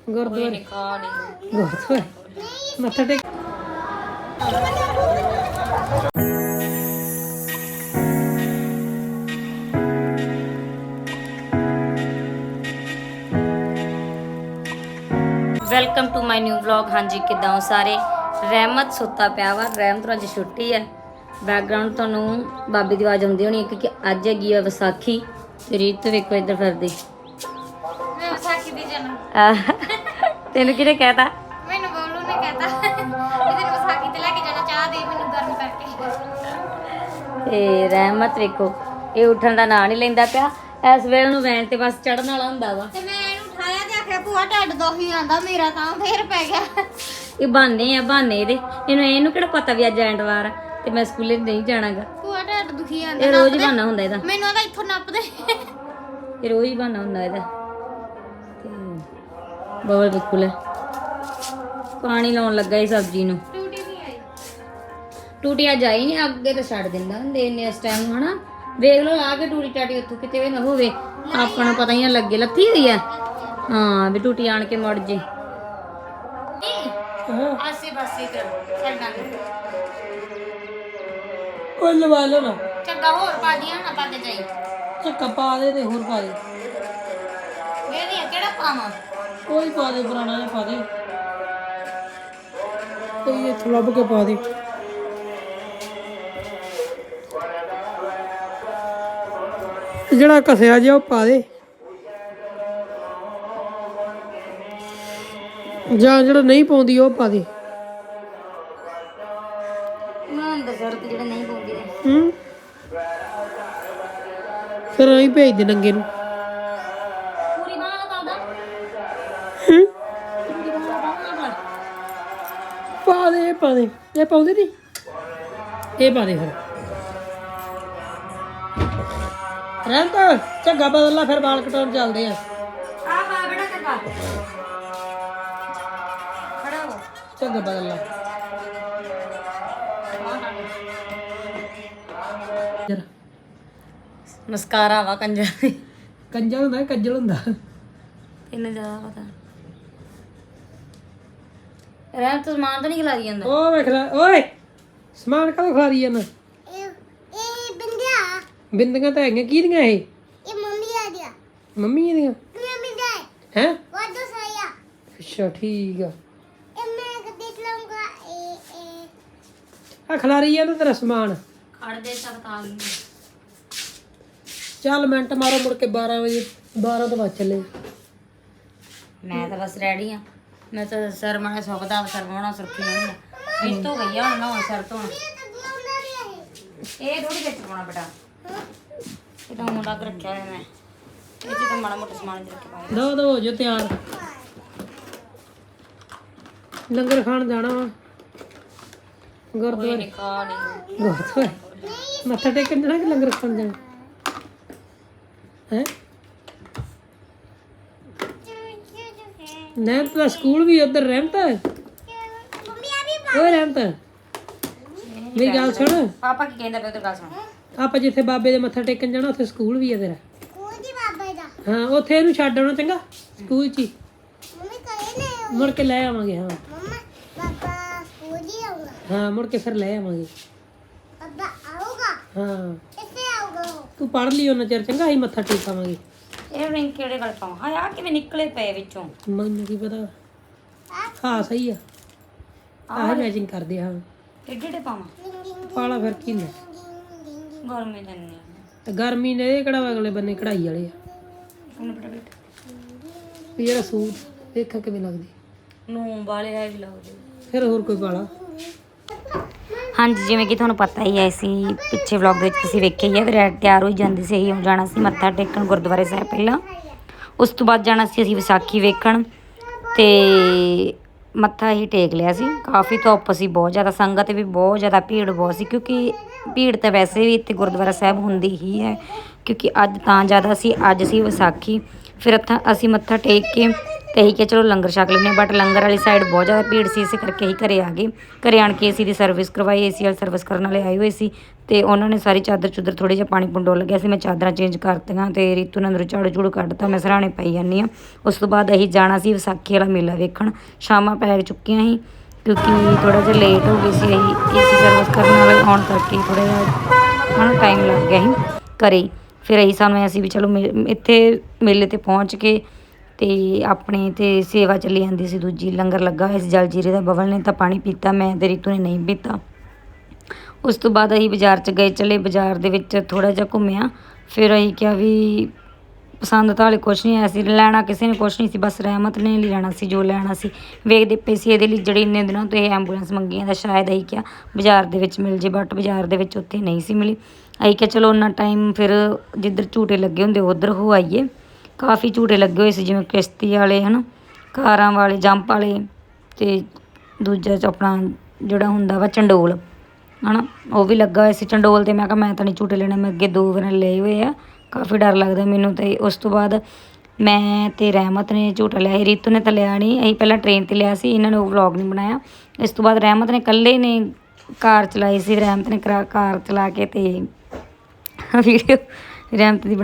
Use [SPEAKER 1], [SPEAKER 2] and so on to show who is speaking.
[SPEAKER 1] ਗੁਰਦੁਆਰੇ ਗੁਰਦੁਆਰੇ ਮੱਥਾ ਟੇਕ।
[SPEAKER 2] Welcome to my new vlog. ਹਾਂਜੀ ਕਿੱਦਾਂ ਹੋ ਸਾਰੇ। ਰਹਿਮਤ ਸੁੱਤਾ ਪਿਆ ਵਾ। ਰਹਿਮਤ ਨੂੰ ਅੱਜ ਛੁੱਟੀ ਹੈ। ਬੈਕਗ੍ਰਾਉਂਡ ਤੁਹਾਨੂੰ ਬਾਬੇ ਦੀ ਆਵਾਜ਼ ਆਉਂਦੀ ਹੋਣੀ ਕਿਉਂਕਿ ਅੱਜ ਹੈਗੀ ਆ ਵਿਸਾਖੀ। ਤੇ ਰੀਤ ਵੇਖੋ ਇੱਧਰ ਫਿਰਦੀ।
[SPEAKER 3] ਮੈਂ ਵਿਸਾਖੀ ਦੀ ਜਨਮ
[SPEAKER 2] ਤੈਨੂੰ ਕਿਹਨੇ ਕਹਿਤਾ?
[SPEAKER 3] ਮੈਨੂੰ ਬੋਲੂ ਨੇ ਕਹਿਤਾ ਕਿ ਤੈਨੂੰ ਵਿਸਾਖੀ ਤੇ ਲੈ ਕੇ ਜਾਣਾ, ਚਾਹ ਦੇ ਮੈਨੂੰ ਗਰਮ ਕਰਕੇ।
[SPEAKER 2] ਤੇ ਰਹਿਮਤ ਵੇਖੋ ਇਹ ਉੱਠਣ ਦਾ ਨਾਂ ਨਹੀਂ ਲੈਂਦਾ ਪਿਆ। ਇਸ ਵੇਲੇ ਨੂੰ ਵੈਨ ਤੇ ਬਸ ਚੜਨ ਵਾਲਾ ਹੁੰਦਾ ਵਾ।
[SPEAKER 3] ਤੇ ਮੈਂ ਇਹਨੂੰ ਉਠਾਇਆ ਤੇ ਆਖਿਆ ਭੂਆ ਢੱਡ ਦੋਹੀ ਆਂਦਾ ਮੇਰਾ, ਤਾਂ ਫੇਰ ਪੈ ਗਿਆ।
[SPEAKER 2] ਇਹ ਬਹਾਨੇ ਆ ਬਹਾਨੇ ਇਹਦੇ। ਇਹਨੂੰ ਕਿਹੜਾ ਪਤਾ ਵੀ ਅੱਜ ਐਤਵਾਰ ਆ ਤੇ ਮੈਂ ਸਕੂਲੇ ਨਹੀਂ ਜਾਣਾਗਾ।
[SPEAKER 3] ਭੂਆ ਢੱਡ ਦੁਖੀ ਆਂਦਾ।
[SPEAKER 2] ਇਹ ਰੋਜ਼ ਹੀ ਬਹਾਨਾ ਹੁੰਦਾ ਇਹਦਾ।
[SPEAKER 3] ਮੈਨੂੰ ਆਦਾ ਇੱਥੋਂ ਨੱਪ ਦੇ।
[SPEAKER 2] ਇਹ ਰੋਜ਼ ਹੀ ਬਹਾਨਾ ਹੁੰਦਾ ਇਹਦਾ। ਤੇ ਬਬਲ ਬਿਲਕੁਲ ਪਾਣੀ ਲਾਉਣ ਲੱਗਾ ਇਹ ਸਬਜ਼ੀ ਨੂੰ।
[SPEAKER 3] ਟੂਟੀ ਨਹੀਂ ਆਈ।
[SPEAKER 2] ਟੂਟੀ ਅੱਜ ਆਈ ਨਹੀਂ, ਅੱਗੇ ਤਾਂ ਛੱਡ ਦਿੰਦਾ ਹੁੰਦੇ ਨੇ ਇਸ ਟਾਈਮ ਹਨਾ। ਵੇਖ ਲਓ ਆ ਕੇ ਟੂਟੀ ਟਾਟੀ ਉੱਥੋਂ ਕਿਤੇ ਵੀ ਨਾ ਹੋਵੇ, ਆਪਾਂ ਨੂੰ ਪਤਾ ਹੀ ਨਾ ਲੱਗੇ ਲੱਥੀ ਹੋਈ ਆ। ਹਾਂ ਵੀ ਟੂਟੀ ਆਣ ਕੇ ਮੁੜ ਜੇ।
[SPEAKER 3] ਆਸੇ ਪਾਸੇ ਕਰ ਛੱਡਾਂ
[SPEAKER 1] ਕੋਈ ਲਵਾ ਲਓ ਨਾ।
[SPEAKER 3] ਚੰਗਾ ਹੋਰ ਪਾ ਦੀਆਂ ਨਾ ਪਾ ਕੇ ਜਾਈ।
[SPEAKER 1] ਚੱਕਾ ਪਾ ਦੇ ਤੇ ਹੋਰ ਪਾ ਦੇ।
[SPEAKER 3] ਮੇਰੀ ਕਿਹੜਾ ਪਾਵਾਂ?
[SPEAKER 1] ਕੋਈ ਪਾ ਦੇ, ਪੁਰਾਣਾ ਜਿਹਾ ਪਾ ਦੇ। ਕੋਈ ਇੱਥੋਂ ਲੱਭ ਕੇ ਪਾ ਦੇ। ਜਿਹੜਾ ਘਸਿਆ ਜਿਹਾ ਉਹ ਪਾ ਦੇ, ਜਾਂ ਜਿਹੜਾ ਨਹੀਂ ਪਾਉਂਦੀ ਉਹ ਪਾ ਦੇ।
[SPEAKER 2] ਮੈਂ ਦੱਸਰ ਤੇ ਜਿਹੜੇ ਨਹੀਂ ਪਾਉਂਦੇ
[SPEAKER 1] ਫਿਰ ਅਸੀਂ ਭੇਜ ਦੇ ਨੰਗੇ ਨੂੰ।
[SPEAKER 2] ਪੂਰੀ ਬਾਂਹ ਦਾ ਪਾਉਂਦਾ।
[SPEAKER 1] ਪਾ ਦੇ, ਇਹ ਪਾ ਦੇ। ਇਹ ਪਾਉਂਦੇ ਨਹੀਂ, ਇਹ ਪਾ ਦੇ ਫਿਰ। ਰਹਿੰਦਾ ਝੱਗਾ ਬਦਲ ਲਾ, ਫਿਰ ਵਾਲ ਕਟਾਉਣ ਚੱਲਦੇ ਆ।
[SPEAKER 2] ਆ ਬਾ ਬੜਾ ਚੰਗਾ ਖੜਾ ਹੋ।
[SPEAKER 1] ਝੱਗਾ ਬਦਲ ਲਾ ਜਰਾ।
[SPEAKER 2] ਮਸਕਾਰਾ ਵਾ ਕੰਜਰ।
[SPEAKER 1] ਕੰਜਲ ਹੁੰਦਾ, ਕੱਜਲ ਹੁੰਦਾ।
[SPEAKER 2] ਤੈਨੂੰ ਜ਼ਿਆਦਾ ਪਤਾ। ਰਹਿਮ ਤੂੰ ਸਮਾਨ ਤਾਂ ਨਹੀਂ ਖਿਲਾਰੀ ਜਾਂਦਾ।
[SPEAKER 1] ਉਹ ਵੇਖ ਲੈ ਓਏ, ਸਮਾਨ ਕਦੋਂ ਖਾ ਰਹੀ ਜਾਂਦਾ?
[SPEAKER 3] ਇਹ ਬਿੰਦਿਆ
[SPEAKER 1] ਬਿੰਦੀਆਂ ਤਾਂ ਹੈਗੀਆਂ। ਕਿਹਦੀਆਂ ਇਹ?
[SPEAKER 3] ਇਹ ਮੰਮੀ ਆ ਗਿਆ।
[SPEAKER 1] ਮੰਮੀ ਦੀਆਂ
[SPEAKER 3] ਮੰਮੀ ਦਾ
[SPEAKER 1] ਹੈ?
[SPEAKER 3] ਵਾਦੋ ਸਾਇਆ।
[SPEAKER 1] ਅੱਛਾ ਠੀਕ ਆ।
[SPEAKER 3] ਇਹ ਮੈਂ ਦੇਖ ਲਵਾਂਗਾ।
[SPEAKER 1] ਆ ਖਿਲਾਰੀ ਜਾਂਦਾ ਤੇਰਾ ਸਮਾਨ।
[SPEAKER 2] ਖੜ ਦੇ ਸਭ ਤਾਂ ਆ ਗਈ।
[SPEAKER 1] ਚੱਲ ਮਿੰਟ ਮਾਰੋ, ਮੁੜ ਕੇ 12 ਵਜੇ 12 ਤੋਂ ਬਾਅਦ ਚੱਲੇ।
[SPEAKER 2] ਮੈਂ ਤਾਂ ਬਸ ਰੈਡੀ ਆ। ਮੈਂ ਤਾਂ ਸਰ ਮਾਣਾ ਸੁੱਕਦਾ ਸਰ ਮਾਣਾ ਸੁਰਖੀ ਨਹੀਂ ਆ। ਇਸ ਤੋਂ ਗਈ ਆ ਹੁਣ ਨਾ ਸਰ ਤੋਂ। ਇਹ ਥੋੜੀ ਵਿੱਚ ਪਾਉਣਾ ਬੇਟਾ। ਇਹ ਤਾਂ ਮੁੰਡਾ ਕੇ ਰੱਖਿਆ ਹੋਇਆ ਮੈਂ। ਇਹ ਚ ਤਾਂ ਮਾੜਾ ਮੋਟਾ ਸਮਾਨ ਰੱਖ ਕੇ ਪਾਇਆ।
[SPEAKER 1] ਦੋ ਹੋ ਜੋ ਤਿਆਰ। ਲੰਗਰ ਖਾਣ ਜਾਣਾ ਵਾ ਗੁਰਦੁਆਰੇ। ਗੁਰਦੁਆਰੇ ਮੱਥਾ ਟੇਕਣ ਜਾਣਾ ਕਿ ਲੰਗਰ ਖਾਣ ਜਾਣਾ ਹੈ? ਰਹਿਮਤ ਦਾ ਸਕੂਲ ਵੀ ਉਧਰ। ਰਹਿਮਤ ਓਏ, ਰਹਿਮਤ ਮੇਰੀ ਗੱਲ ਸੁਣ।
[SPEAKER 2] ਪਾਪਾ ਕੀ ਕਹਿੰਦਾ ਪਿਆ ਤੇਰੀ ਗੱਲ ਸੁਣ।
[SPEAKER 1] ਆਪਾਂ ਜਿੱਥੇ ਬਾਬੇ ਦੇ ਮੱਥਾ ਟੇਕਣ ਜਾਣਾ ਉੱਥੇ ਸਕੂਲ ਵੀ ਆ ਤੇਰਾ।
[SPEAKER 3] ਕੋਦੀ ਬਾਬਾ ਦਾ
[SPEAKER 1] ਹਾਂ ਉੱਥੇ ਇਹਨੂੰ ਛੱਡ ਆਉਣਾ ਚੰਗਾ, ਸਕੂਲ 'ਚ ਹੀ।
[SPEAKER 3] ਮੰਮੀ ਕਹੇ ਨੇ
[SPEAKER 1] ਮੁੜ ਕੇ ਲੈ ਆਵਾਂਗੇ। ਹਾਂ
[SPEAKER 3] ਮੰਮਾ ਬਾਬਾ ਕੋਦੀ ਆਊਗਾ।
[SPEAKER 1] ਹਾਂ ਮੁੜ ਕੇ ਫਿਰ ਲੈ ਆਵਾਂਗੇ।
[SPEAKER 3] ਬਾਬਾ ਆਊਗਾ।
[SPEAKER 1] ਹਾਂ
[SPEAKER 3] ਇੱਥੇ ਆਊਗਾ ਉਹ।
[SPEAKER 1] ਤੂੰ ਪੜ੍ਹ ਲਈ ਉਹਨਾਂ ਚਿਰ ਚੰਗਾ, ਅਸੀਂ ਮੱਥਾ ਟੇਕਾਵਾਂਗੇ।
[SPEAKER 2] ਇਹ ਰਿੰਗ ਕਿਹੜੇ ਗੱਲ ਪਾਉਂ? ਹਾਂ ਆ ਕਿਵੇਂ ਨਿਕਲੇ ਪਏ ਵਿੱਚੋਂ?
[SPEAKER 1] ਮੈਨੂੰ ਕੀ ਪਤਾ। ਹਾਂ ਸਹੀ ਆ। ਆਹ ਮੈਚਿੰਗ ਕਰਦੇ ਹਾਂ।
[SPEAKER 2] ਏਡੇ ਏਡੇ ਪਾਵਾਂ?
[SPEAKER 1] ਪਾਲਾ ਫਿਰ ਕੀ ਨੇ।
[SPEAKER 2] ਗਰਮੀ ਦਿੰਨੀ
[SPEAKER 1] ਤੇ ਗਰਮੀ ਨੇ ਇਹ ਕਿਹੜਾ ਅਗਲੇ ਬੰਨੇ ਕਢਾਈ ਵਾਲੇ ਆ।
[SPEAKER 2] ਉਹਨੂੰ ਬੇਟਾ ਬੇਟਾ
[SPEAKER 1] ਵੀ ਜਿਹੜਾ ਸੂਟ ਦੇਖਾ ਕਿਵੇਂ ਲੱਗਦੀ।
[SPEAKER 2] ਨੂੰ ਵਾਲੇ ਹੈ ਵੀ ਲੱਗਦੇ।
[SPEAKER 1] ਫਿਰ ਹੋਰ ਕੋਈ ਪਾਲਾ।
[SPEAKER 2] ਹਾਂਜੀ ਜਿਵੇਂ ਕਿ ਤੁਹਾਨੂੰ ਪਤਾ ਹੀ ਹੈ, ਅਸੀਂ ਪਿੱਛੇ ਵਲੌਗ ਦੇ ਵਿੱਚ ਤੁਸੀਂ ਵੇਖਿਆ ਹੀ ਹੈ ਵੀ ਤਿਆਰ ਹੋਈ ਜਾਂਦੀ ਸੀ। ਅਸੀਂ ਜਾਣਾ ਸੀ ਮੱਥਾ ਟੇਕਣ ਗੁਰਦੁਆਰੇ ਸਾਹਿਬ ਪਹਿਲਾਂ, ਉਸ ਤੋਂ ਬਾਅਦ ਜਾਣਾ ਸੀ ਅਸੀਂ ਵਿਸਾਖੀ ਵੇਖਣ। ਤੇ ਮੱਥਾ ਹੀ ਟੇਕ ਲਿਆ ਸੀ। ਕਾਫੀ ਧੁੱਪ ਸੀ, ਬਹੁਤ ਜ਼ਿਆਦਾ ਸੰਗਤ ਵੀ ਬਹੁਤ ਜ਼ਿਆਦਾ, ਭੀੜ ਬਹੁਤ ਸੀ ਕਿਉਂਕਿ ਭੀੜ ਤਾਂ ਵੈਸੇ ਵੀ ਇੱਥੇ ਗੁਰਦੁਆਰਾ ਸਾਹਿਬ ਹੁੰਦੀ ਹੀ ਹੈ ਕਿਉਂਕਿ ਅੱਜ ਤਾਂ ਜ਼ਿਆਦਾ ਸੀ। ਅੱਜ ਸੀ ਵਿਸਾਖੀ। ਫਿਰ ਅਸੀਂ ਮੱਥਾ ਟੇਕ ਕੇ ਤੇ ਅਸੀਂ ਕਿਹਾ ਚਲੋ ਲੰਗਰ ਛਕ ਲੈਂਦੇ ਹਾਂ, ਬਟ ਲੰਗਰ ਵਾਲੀ ਸਾਈਡ ਬਹੁਤ ਜ਼ਿਆਦਾ ਭੀੜ ਸੀ, ਇਸੇ ਕਰਕੇ ਅਸੀਂ ਘਰੇ ਆ ਗਏ। ਘਰੇ ਆਣ ਕੇ ਏਸੀ ਦੀ ਸਰਵਿਸ ਕਰਵਾਈ, ਏਸੀ ਵਾਲੀ ਸਰਵਿਸ ਕਰਨ ਵਾਲੇ ਆਏ ਹੋਏ ਸੀ ਤੇ ਉਹਨਾਂ ਨੇ ਸਾਰੀ ਚਾਦਰ ਚੁੱਦਰ ਥੋੜ੍ਹੇ ਜਿਹਾ ਪਾਣੀ ਡੋਲ ਲੱਗਿਆ ਸੀ, ਮੈਂ ਚਾਦਰਾਂ ਚੇਂਜ ਕਰਤੀਆਂ ਤੇ ਰੀਤੂ ਨੇ ਅੰਦਰੋਂ ਝਾੜੂ ਝੂੜੂ ਕੱਢਤਾ, ਮੈਂ ਸਰਾਣੇ ਪਾਈ ਜਾਂਦੀ ਹਾਂ। ਉਸ ਤੋਂ ਬਾਅਦ ਅਸੀਂ ਜਾਣਾ ਸੀ ਵਿਸਾਖੀ ਵਾਲਾ ਮੇਲਾ ਵੇਖਣ, ਸ਼ਾਮਾਂ ਪੈ ਚੁੱਕੀਆਂ ਸੀ ਕਿਉਂਕਿ ਥੋੜ੍ਹਾ ਜਿਹਾ ਲੇਟ ਹੋ ਗਏ ਸੀ ਅਸੀਂ ਏਸੀ ਸਰਵਿਸ ਕਰਨ ਵਾਲੇ ਆਉਣ ਕਰਕੇ, ਥੋੜ੍ਹਾ ਜਿਹਾ ਮੈਨੂੰ ਟਾਈਮ ਲੱਗ ਗਿਆ ਸੀ ਘਰੇ। ਫਿਰ ਸਾਨੂੰ ਅਸੀਂ ਵੀ ਚਲੋ ਇੱਥੇ ਮੇਲੇ 'ਤੇ ਪਹੁੰਚ ਕੇ ਤੇ ਆਪਣੇ ਤੇ ਸੇਵਾ ਚੱਲੀ ਜਾਂਦੀ ਸੀ, ਦੂਜੀ ਲੰਗਰ ਲੱਗਾ ਹੋਇਆ ਸੀ ਜਲ ਜੀਰੇ ਦਾ। ਬਬਲ ਨੇ ਤਾਂ ਪਾਣੀ ਪੀਤਾ, ਮੈਂ ਤੇ ਰੀਤੂ ਨੇ ਨਹੀਂ ਪੀਤਾ। ਉਸ ਤੋਂ ਬਾਅਦ ਅਸੀਂ ਬਾਜ਼ਾਰ 'ਚ ਗਏ, ਚਲੇ ਬਾਜ਼ਾਰ ਦੇ ਵਿੱਚ ਥੋੜ੍ਹਾ ਜਿਹਾ ਘੁੰਮਿਆ। ਫਿਰ ਅਸੀਂ ਕਿਹਾ ਵੀ ਪਸੰਦ ਤਾਂ ਹਾਲੇ ਕੁਛ ਨਹੀਂ ਆਇਆ ਸੀ, ਲੈਣਾ ਕਿਸੇ ਨੇ ਕੁਛ ਨਹੀਂ ਸੀ, ਬਸ ਰਹਿਮਤ ਨੇ ਲੈਣਾ ਸੀ ਜੋ ਲੈਣਾ ਸੀ। ਵੇਖਦੇ ਪਏ ਸੀ ਇਹਦੇ ਲਈ ਜਿਹੜੀ ਇੰਨੇ ਦਿਨਾਂ ਤੋਂ ਇਹ ਐਂਬੂਲੈਂਸ ਮੰਗੀ ਜਾਂਦਾ, ਸ਼ਾਇਦ ਅਸੀਂ ਕਿਹਾ ਬਾਜ਼ਾਰ ਦੇ ਵਿੱਚ ਮਿਲ ਜੇ, ਬਟ ਬਾਜ਼ਾਰ ਦੇ ਵਿੱਚ ਉੱਥੇ ਨਹੀਂ ਸੀ ਮਿਲੀ। ਅਸੀਂ ਕਿਹਾ ਚਲੋ ਉਹਨਾਂ ਟਾਈਮ ਫਿਰ ਜਿੱਧਰ ਝੂਟੇ ਲੱਗੇ ਹੁੰਦੇ ਉੱਧਰ ਹੋ ਆਈਏ। ਕਾਫੀ ਝੂਟੇ ਲੱਗੇ ਹੋਏ ਸੀ, ਜਿਵੇਂ ਕਿਸ਼ਤੀ ਵਾਲੇ ਹੈ ਨਾ, ਕਾਰਾਂ ਵਾਲੇ, ਜੰਪ ਵਾਲੇ ਤੇ ਦੂਜਾ ਆਪਣਾ ਜਿਹੜਾ ਹੁੰਦਾ ਵਾ ਚੰਡੋਲ ਹੈ ਨਾ, ਉਹ ਵੀ ਲੱਗਾ ਹੋਇਆ ਸੀ ਚੰਡੋਲ। ਤੇ ਮੈਂ ਕਿਹਾ ਮੈਂ ਤਾਂ ਨਹੀਂ ਝੂਟੇ ਲੈਣੇ, ਮੈਂ ਅੱਗੇ 2 ਵਾਰ ਲਏ ਹੋਏ ਆ, ਕਾਫੀ ਡਰ ਲੱਗਦਾ ਮੈਨੂੰ। ਤੇ ਉਸ ਤੋਂ ਬਾਅਦ ਮੈਂ ਤੇ ਰਹਿਮਤ ਨੇ ਝੂਟਾ ਲਿਆ ਸੀ, ਰੀਤੂ ਨੇ ਤਾਂ ਲਿਆ ਨਹੀਂ, ਅਸੀਂ ਪਹਿਲਾਂ ਟ੍ਰੇਨ 'ਤੇ ਲਿਆ ਸੀ, ਇਹਨਾਂ ਨੇ ਉਹ ਵਲੌਗ ਨਹੀਂ ਬਣਾਇਆ। ਇਸ ਤੋਂ ਬਾਅਦ ਰਹਿਮਤ ਨੇ ਇਕੱਲੇ ਨੇ ਕਾਰ ਚਲਾਈ ਸੀ, ਰਹਿਮਤ ਨੇ ਕਾਰ ਚਲਾ ਕੇ ਤੇ ਵੀਡੀਓ ਰਹਿਮਤ ਦੀ